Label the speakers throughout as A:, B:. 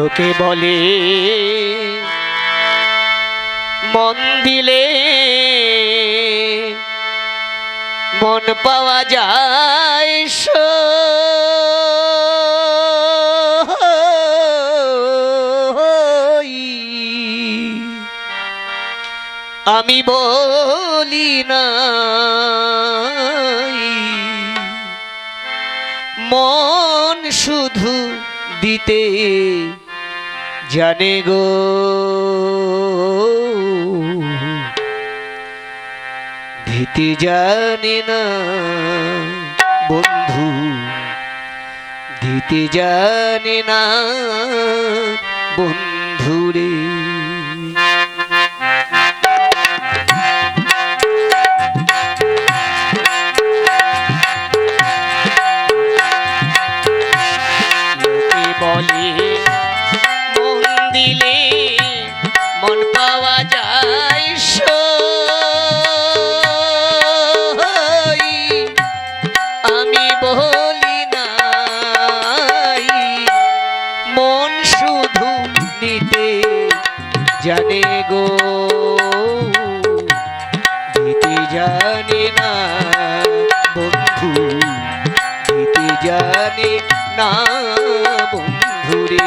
A: লোকে বলে মন দিলে মন পাওয়া যায় আমি বলি না মন শুধু দিতে জানে গো দিতে জানে না বন্ধু দিতে জানে না বন্ধুরে বলে মন দিলে মন পাওয়া যায় আমি বলি না মন শুধু নিতে জানে গো দিতে জানে না বন্ধু দিতে জানে না বন্ধুরে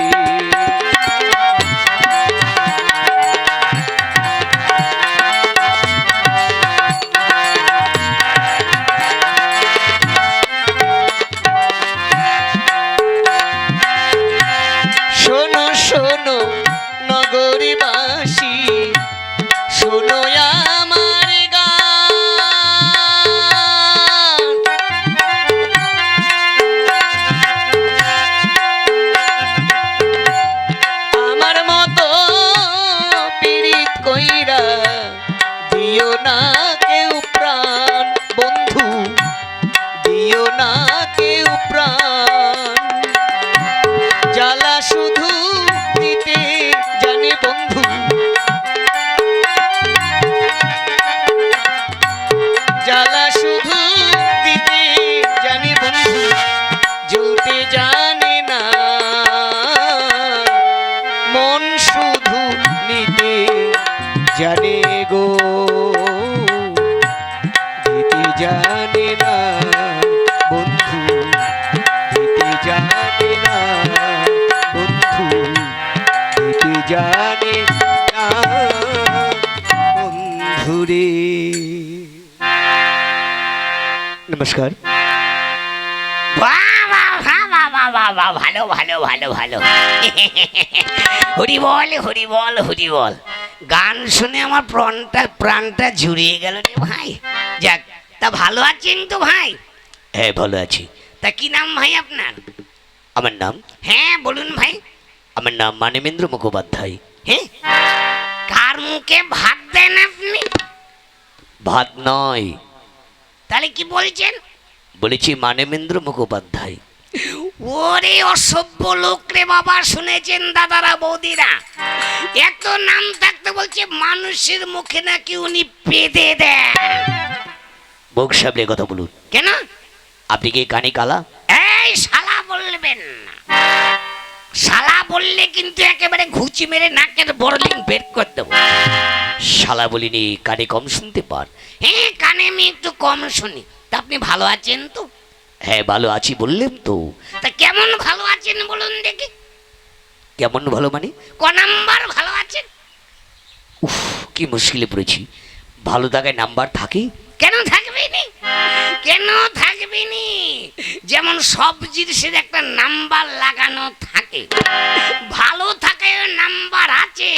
A: শোনো শোনো নগরীবাসী শোনো আমার গান আমার মতো পীড়িত কইরা দিও না কেউ প্রাণ বন্ধু দিও না কেউ প্রাণ জ্বালা শুধু দিতে জানে বন্ধু জ্বালা শুধু দিতে জানে বন্ধু জ্বলতে জানে না মন শুধু নিতে জানে গো দিতে জানে না বন্ধু দিতে জানে না বন্ধু দিতে জানে না বন্ধুরে নমস্কার
B: ভালো ভালো ভালো ভালো হরি বল হরি বল হরি বল গান শুনে আমার প্রাণটা জুড়িয়ে গেল রে ভাই যাক তা ভালো আছেন তো ভাই
A: হ্যাঁ ভালো আছি
B: তা কি নাম ভাই আপনার
A: আমার নাম
B: হ্যাঁ বলুন ভাই
A: আমার নাম মানবেন্দ্র মুখোপাধ্যায়
B: হ্যাঁ কার মুখে ভাত দেন আপনি
A: ভাত নয়
B: তাহলে কি বলছেন
A: বলেছি মানবেন্দ্র মুখোপাধ্যায়
B: ওরে অসভ্য লোক রে বাবা শুনেছেন দাদারা বৌদিরা এত নাম থাকতে বলছে মানুষের মুখে নাকি উনি পেদে দেন
A: মুখ সামলে কথা বলুন
B: কেন
A: আপনি কি কানে কালা
B: এই শালা বলবেন না শালা বললে কিন্তু একেবারে ঘুচি মেরে নাকের বড়লিং বের করে দেবো
A: শালা বলিনি কানে কম শুনতে পান
B: হ্যাঁ কানে আমি একটু কম শুনি তা আপনি ভালো আছেন তো
A: হ্যাঁ ভালো আছি বললেন তো
B: তা কেমন ভালো আছেন বলুন দেখি
A: কেমন ভালো মানে
B: ক নাম্বার ভালো আছেন
A: উফ কি মুশকিলে পড়েছি ভালো থাকায় নাম্বার থাকে
B: কেন থাকবেনি কেন থাকবেনি যেমন সব জিনিসের একটা নাম্বার লাগানো থাকে ভালো থাকে নাম্বার আছে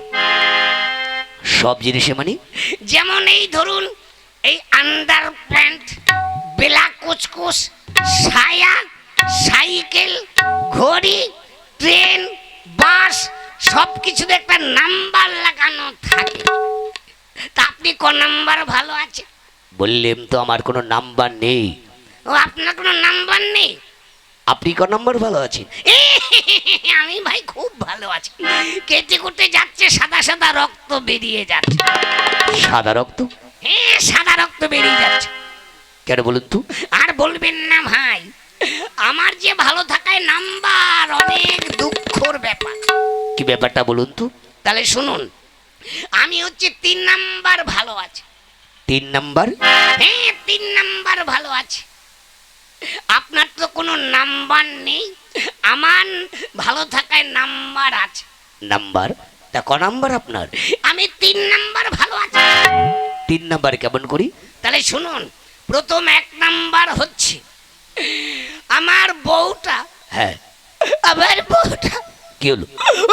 A: সব জিনিসে মানে
B: যেমন এই ধরুন এই আন্ডার প্যান্ট বেলা কুচকুচ ছায়া সাইকেল ঘড়ি ট্রেন বাস সব কিছুতে একটা নাম্বার লাগানো থাকে তা আপনি ক নাম্বার ভালো আছে
A: বললেন তো আমার কোনো নাম্বার নেই
B: ও আপনার কোনো নাম্বার নেই
A: আপনি ক নাম্বার ভালো আছেন
B: আমি ভাই খুব ভালো আছি কেটে কুটে যাচ্ছে সাদা সাদা রক্ত বেরিয়ে যাচ্ছে
A: সাদা রক্ত
B: হ্যাঁ সাদা রক্ত বেরিয়ে যাচ্ছে
A: কেন বলুন তো
B: আর বলবেন না ভাই আমার যে ভালো থাকায় নাম্বার অনেক দুঃখর ব্যাপার।
A: কি ব্যাপারটা বলুন তো।
B: তাহলে শুনুন, আমি হচ্ছে 3 নাম্বার ভালো আছে।
A: 3 নাম্বার?
B: হ্যাঁ 3 নাম্বার ভালো আছে। আপনার তো কোনো নাম্বার নেই, আমার ভালো থাকায় নাম্বার আছে।
A: নাম্বার? তা ক নাম্বার আপনার?
B: আমি 3 নাম্বার ভালো আছি।
A: 3 নাম্বার কেমন করি?
B: তাহলে শুনুন, প্রথম 1 নাম্বার হচ্ছে আমার বউটা।
A: হ্যাঁ।
B: আমার বউটা
A: কি হলো?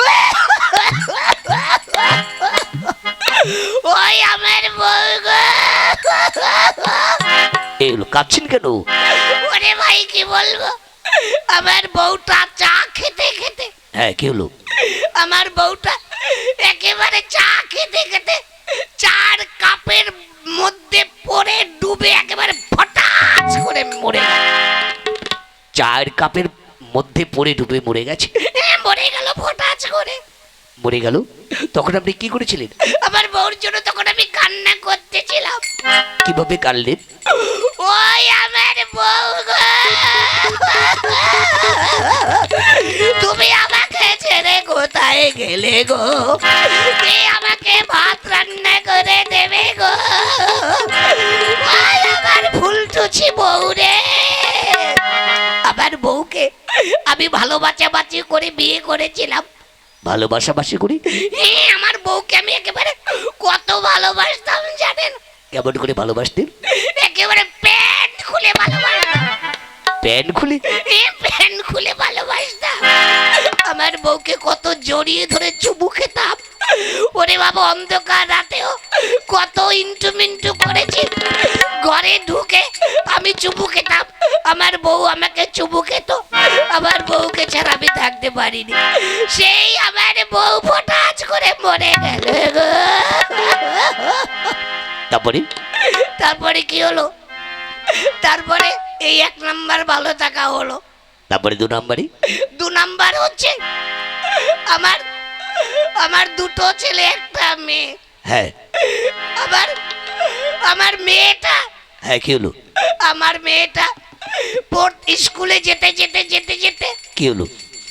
B: ওই আমার বউ গো।
A: এই হলো, কাঁদছেন কেন?
B: ওরে ভাই কি বলবো, আমার বউটা চা খেতে খেতে।
A: হ্যাঁ কি হলো?
B: আমার বউটা একেবারে চা খেতে খেতে 4 কাপের মধ্যে পড়ে ডুবে একেবারে ফটাস করে মরে গেল।
A: 4 কাপের মধ্যে পড়ে ডুবে মরে গেছে?
B: মরে গেল ফটাস করে।
A: মরে গেল? তখন আপনি কি করেছিলেন?
B: আমার বউর জন্য তখন আমি কান্না করতেছিলাম।
A: কিভাবে কাঁদলেন?
B: ওই আমার বউ গো, তুমি আমাকে ছেড়ে কোথায় গেলে গো? কে আমাকে ভাত রান্না করে দেবে গো? ওই আমার ফুলটুচি বউ রে। আমার বউকে আমি ভালোবাসাবাসি করে বিয়ে করেছিলাম।
A: ভালোবাসাবাসি করি?
B: আমার বউকে আমি একেবারে কত ভালোবাসতাম জানেন?
A: কেমন করে ভালোবাসতেন?
B: একেবারে প্যান্ট খুলে ভালোবাসতাম।
A: প্যান্ট খুলে?
B: প্যান্ট খুলে ভালোবাসতাম। আমার বউকে কত জড়িয়ে ধরে চুমু খেতাম। ওরে বাবা, অন্ধকার রাতেও কত ইন্টু মিন্টু করেছি। ঘরে ঢুকে আমি চুমু খেতাম, আমার বউ আমাকে চুমু খেত। আমার বউকে ছাড়া আমি থাকতে পারিনি। সেই আমার বউ ফটাস করে মরে গেল গো।
A: তারপরে?
B: তারপরে কি হলো? তারপরে এই 1 নাম্বার ভালো থাকা হলো।
A: তারপরে 2 নাম্বারই?
B: 2 নাম্বার হচ্ছে আমার আমার 2টো ছেলে 1টা মেয়ে।
A: হ্যাঁ।
B: আবার আমার মেয়েটা,
A: হ্যাঁ কি হলো?
B: আমার মেয়েটা স্কুলে যেতে যেতে যেতে যেতে
A: কি হলো?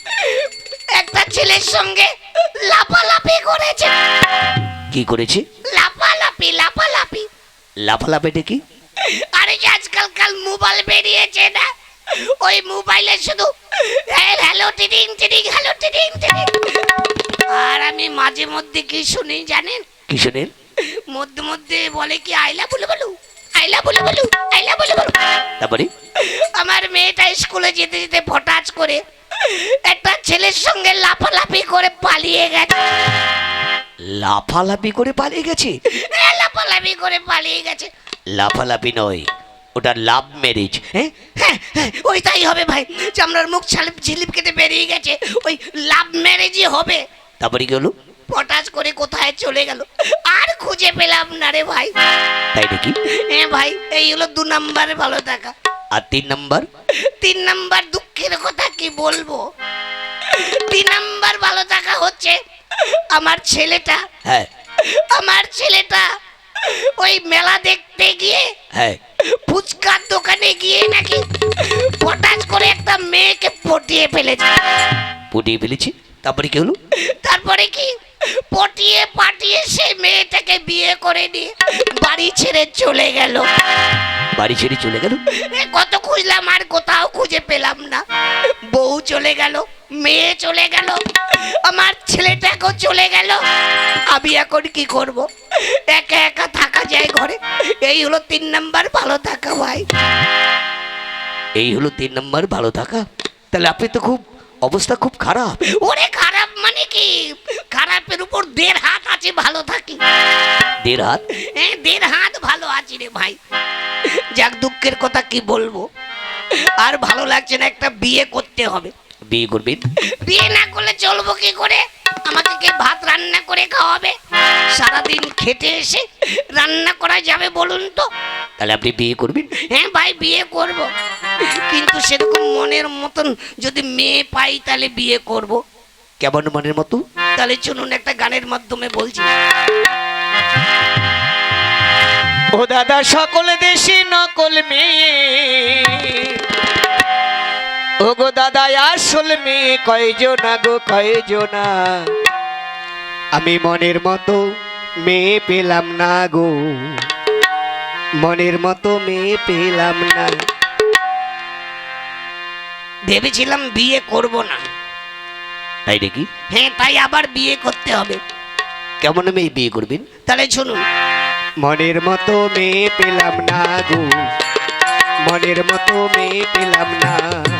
B: একটা ছেলের সঙ্গে লাফালাফি করেছে।
A: কি করেছে?
B: লাফালাফি লাফালাফি।
A: লাফালাফিটা কি?
B: আরে যে আজকাল মোবাইল বেরিয়েছে না, ওই মোবাইলে শুধু হ্যালো টিডিং টিডিং হ্যালো টিডিং টিডিং। আর আমি মাঝে মধ্যে কি শুনি জানেন?
A: কি শোনেন?
B: মধ্যে মধ্যে বলে কি আইলা বলে বলু, আইলা বলে বলু, আইলা বলে বলু।
A: তারপরে?
B: আমার মেয়েটা স্কুলে যেতে যেতে ফটাস করে একটা ছেলের সঙ্গে লাফালাফি করে পালিয়ে গেছে।
A: লাফালাফি করে পালিয়ে গেছে?
B: লাফালাফি করে পালিয়ে গেছে।
A: লাফালাফি নয়, ওটা লাভ ম্যারেজ।
B: হ্যাঁ হ্যাঁ হ্যাঁ, ওই তাই হবে ভাই। চামড়ার মুখ ঝিলিপ কেটে বেরিয়ে গেছে, ওই লাভ ম্যারেজই হবে।
A: তারপরে কি হলো?
B: পটাশ করে কোথায় চলে গেল, আর খুঁজে পেলাম না রে ভাই।
A: তাই নাকি?
B: হ্যাঁ ভাই, এই হলো 2 নাম্বারে ভালো থাকা।
A: আর 3 নাম্বার?
B: 3 নাম্বার দুঃখের কথা কি বলবো। 3 নাম্বার ভালো থাকা হচ্ছে আমার ছেলেটা।
A: হ্যাঁ।
B: আমার ছেলেটা ওই মেলা দেখতে গিয়ে
A: হ্যাঁ।
B: ফুচকার দোকানে গিয়ে নাকি পটাশ করে একটা মেয়েকে পটিয়ে ফেলেছে।
A: পটিয়ে ফেলেছি? তারপরে কি হলো?
B: তারপরে কি, পটিয়ে পাটিয়ে সেই মেয়েটাকে বিয়ে করে নিয়ে বাড়ি ছেড়ে চলে গেল।
A: বাড়ি ছেড়ে চলে গেল?
B: কত খুঁজলাম আর কোথাও খুঁজে পেলাম না। বউ চলে গেল, মেয়ে চলে গেল, আমার ছেলেটাকেও চলে গেল। আমি এখন কি করব? একা একা থাকা যায় ঘরে। এই হলো 3 নাম্বার ভালো থাকা ভাই।
A: এই হলো 3 নাম্বার ভালো থাকা? তাহলে আপনি তো খুব অবস্থা খুব খারাপ।
B: ওরে খারাপ মানে কি, খারাপের উপর 1.5 হাত আছে ভালো থাকি।
A: 1.5 হাত?
B: হ্যাঁ 1.5 হাত ভালো আছি রে ভাই। যাক, দুঃখের কথা কি বলবো, আর ভালো লাগছে না, একটা বিয়ে করতে হবে।
A: বিয়ে করবেন?
B: বিয়ে না করলে চলবো কি করে? আমাকে কে ভাত রান্না করে খাওয়াবে? সারাদিন খেটে এসে রান্না করা যাবে বলুন তো?
A: তাহলে আপনি বিয়ে করবেন?
B: হ্যাঁ ভাই বিয়ে করব, কিন্তু সেরকম মনের মতন যদি মেয়ে পাই তাহলে বিয়ে করব।
A: কেমন মনের মতো?
B: তাহলে চলুন একটা গানের মাধ্যমে বলছি।
C: ও দাদা সকল দেশে নকল মেয়ে, ও
A: ও গো দাদা আসল মেয়ে কয়জনা গো কয়জনা, আমি মনের মতো মেয়ে পেলাম না গো, মনের মতো মেয়ে পেলাম না।
B: ভেবেছিলাম বিয়ে করব না,
A: তাই নাকি?
B: হ্যাঁ তাই আবার বিয়ে করতে হবে।
A: কেমন মেয়ে বিয়ে করবেন?
B: তাহলে শুনুন,
A: মনের মতো মেয়ে পেলাম না গো, মনের মতো মেয়ে পেলাম না।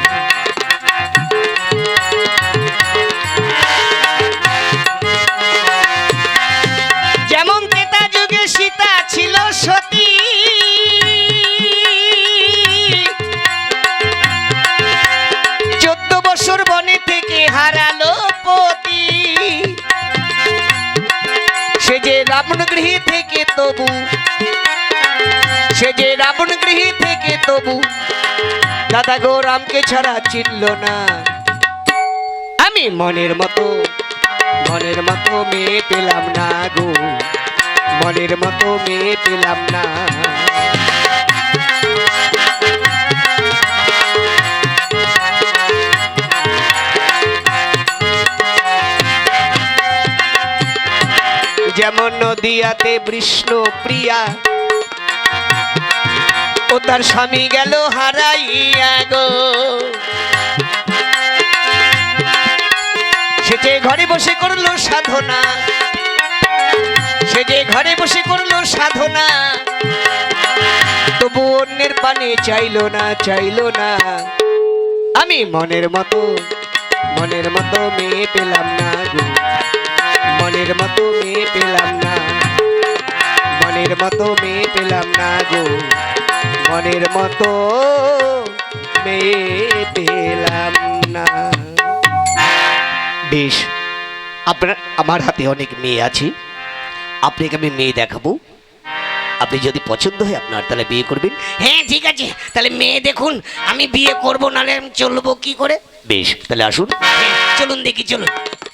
A: যেমন ত্রেতা যুগে সীতা ছিল সতী, 14 বছর বনে থেকে হারালো পতি, সে যে রাবণ গৃহে থেকে তবু, সে যে রাবণ গৃহে থেকে তবু দাদা গো রামকে ছাড়া চিনল না। আমি মনের মতো মেয়ে পেলাম না গো, মনের মতো মেয়ে পেলাম না। যেমন নদিয়াতে বিষ্ণু প্রিয়া, ও তার স্বামী গেল হারাইয়া গো, সে যে ঘরে বসে করলো সাধনা, সে যে ঘরে বসে করলো সাধনা, তবু অন্যের পানে চাইলো না, চাইলো না। আমি মনের মতো মেয়ে পেলাম না গো, মনের মতো মেয়ে পেলাম না, মনের মতো মেয়ে পেলাম না গো, মনের মতো মেয়ে পেলাম না। বেশ, আপনার আমার হাতে অনেক মেয়ে আছে, আপনাকে আমি মেয়ে দেখাবো, আপনি যদি পছন্দ হয় আপনার তাহলে বিয়ে করবেন।
B: হ্যাঁ ঠিক আছে, তাহলে মেয়ে দেখুন, আমি বিয়ে করব নাহলে আমি চলবো কি করে?
A: বেশ, তাহলে আসুন।
B: হ্যাঁ, চলুন দেখি, চলুন।